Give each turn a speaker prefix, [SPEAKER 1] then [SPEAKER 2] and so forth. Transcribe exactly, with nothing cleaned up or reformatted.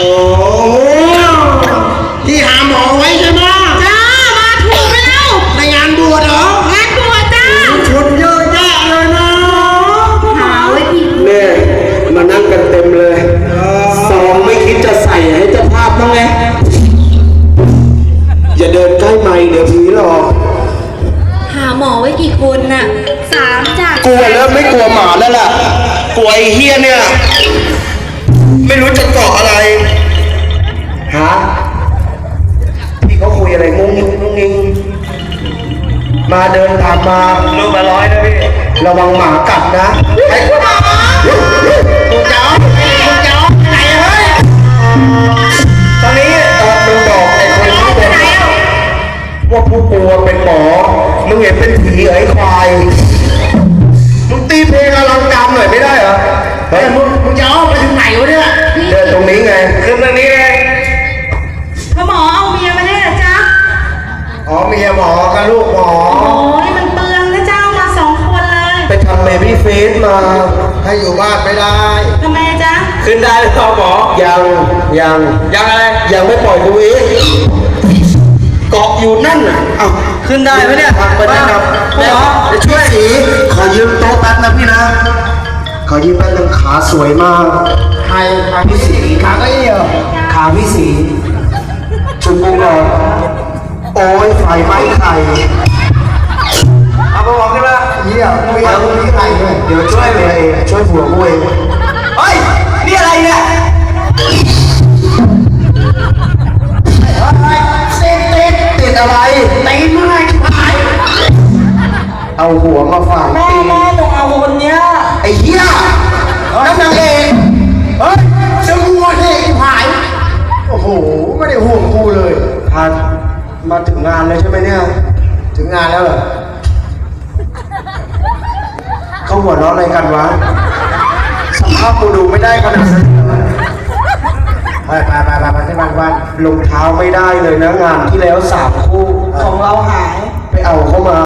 [SPEAKER 1] ที่หาหมอไว้ใช่ไหมจ้ามาถูกไปแล้วในงานบวชเหรองานบวชจ้าคนเยอะแยะเลยนะ
[SPEAKER 2] หาไว้ที
[SPEAKER 3] แม่มานั่งกันเต็มเลยซองไม่คิดจะใส่ให้เจ้าภาพบ้างไงอย่าเดินใกล้ไมค์เดี๋ยวผีหรอก
[SPEAKER 2] หาหมอไว้กี่คนน่ะสามจ้ะ
[SPEAKER 3] กลัวแล้วไม่กลัวหมาแล้วล่ะกลัวไอ้เฮียเนี่ยไม่รู้จะเกาะอะไรฮะพี่เขาคุยอะไรงงงิงงงงิงมาเดินตามมาลูกมาร้อยนะพี่ระวังหมากัดนะไอ้คุณคุณเจ้าคุณเจ้าไหนเฮ้ยตอนนี้เออมึงบอกไอ้คนที่เป็นว่าผู้กลัวเป็นหมอมึงเห็นเป็นผีไอ้ควายมึงตีเพลงอลังการหน่อยไม่ได้เหรอเฮ้ยมึงมึงจะเอาไปถึงไหนวะเนี่ยเดินตรงนี้ไงขึ้นตรงนี้ไง
[SPEAKER 2] พ่อหมอเอาเมียมาได้เหรอจ๊ะ
[SPEAKER 3] อ๋อเมียหมอกับลูกหมอ
[SPEAKER 2] โอ้ยมันเปลืองนะเจ้ามาสองคนเลย
[SPEAKER 3] ไปทำเบบี้เฟสมาให้อยู่บ้านไม่ได้
[SPEAKER 2] ทำไมจ๊ะ
[SPEAKER 3] ขึ้นได้หรือเปล่าหมอยังยังยังอะไรยังไม่ปล่อยกูอีกเกาะอยู่นั่นน่ะเอ้าขึ้นได้ไหมเนี่ยไปได้ครับหมอจะช่วยสีขอยืมโต๊ะแป๊บนะพี่นะขอยืมแป๊บนึงขาสวยมากใครขาพี่สีขาก็เอี่ยวขาพี่สีชุบกูก่อนโอ้ยไฟไหม้ไข่เอาไปบอกขึ้นมาเยี่ยมไม่อยากรู้ที่ใครด้วยเดี๋ยวช่วยเลยเองช่วยผัวกูเองเฮ้ยนี่อะไรเนี่ยติดติดติดอะไรตีนไม้ขายเอาหัวมาฝังตีแม่ต้องเอาคนเนี้ยไอ้เหี้ยน้ำนางเอกเฮ้ยจะหัวเอกหายโอ้โหไม่ได้ห่วงกูเลยพันมาถึงงานเลยใช่ไหมเนี่ยถึงงานแล้วเหรอเขาหัวเราะอะไรกันวะสภาพกูดูไม่ได้ขนาดนั้นไปไปไปไปไปที่บ้านบ้านรองเท้าไม่ได้เลยนะงานที่แล้วสามคู่ของเราหายไปเอาเข้ามา